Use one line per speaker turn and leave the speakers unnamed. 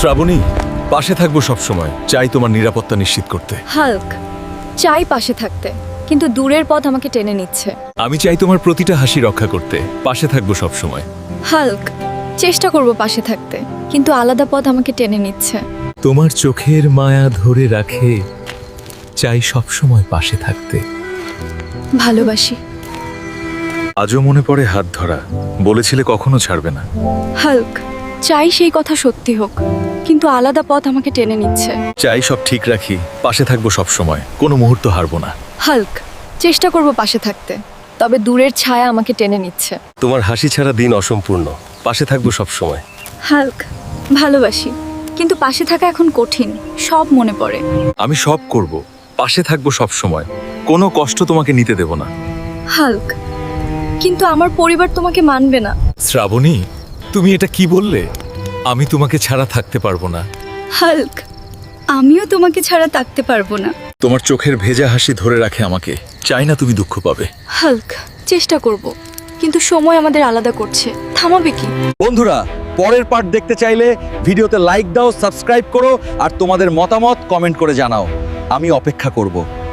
শ্রাবণী, পাশে থাকবো সব সময়। চাই তোমার নিরাপত্তা নিশ্চিত করতে।
হাল্ক, চাই পাশে থাকতে, কিন্তু দূরের পথ আমাকে টেনে নিচ্ছে।
আমি চাই তোমার প্রতিটা হাসি রক্ষা করতে। পাশে থাকবো সব সময়।
হাল্ক, চেষ্টা করব পাশে থাকতে, কিন্তু আলাদা পথ আমাকে টেনে নিচ্ছে।
তোমার চোখের মায়া ধরে রাখে, চাই সব সময় পাশে থাকতে।
ভালোবাসি।
আজও মনে পড়ে হাত ধরা, বলেছিলে কখনো ছাড়বে না।
হাল্ক, চাই সেই কথা সত্যি হোক, কিন্তু আলাদা পথ আমাকে টেনে নিচ্ছে।
চাই সব ঠিক রাখি, পাশে থাকবো সব সময়, কোনো মুহূর্ত হারবো না।
হাল্ক, চেষ্টা করব পাশে থাকতে, তবে দূরের ছায়া আমাকে টেনে নিচ্ছে।
তোমার হাসি ছাড়া দিন অসম্পূর্ণ, পাশে থাকবো সব সময়।
হাল্ক, ভালোবাসি, কিন্তু পাশে থাকা এখন কঠিন, সব মনে পড়ে।
আমি সব করব, পাশে থাকবো সব সময়, কোনো কষ্ট তোমাকে নিতে দেব না।
হাল্ক, কিন্তু আমার পরিবার তোমাকে মানবে না।
শ্রাবণী, তুমি এটা কি বললে? আমি তোমাকে ছাড়া থাকতে পারবো না।
হাল্ক, আমিও তোমাকে ছাড়া থাকতে পারবো না।
তোমার চোখের ভেজা হাসি ধরে রাখে আমাকে, চাই না তুমি দুঃখ পাবে।
হাল্ক, চেষ্টা করব, কিন্তু সময় আমাদের আলাদা করছে, থামাবে কি?
বন্ধুরা, পরের পার্ট দেখতে চাইলে ভিডিওতে লাইক দাও, সাবস্ক্রাইব করো আর তোমাদের মতামত কমেন্ট করে জানাও। আমি অপেক্ষা করব।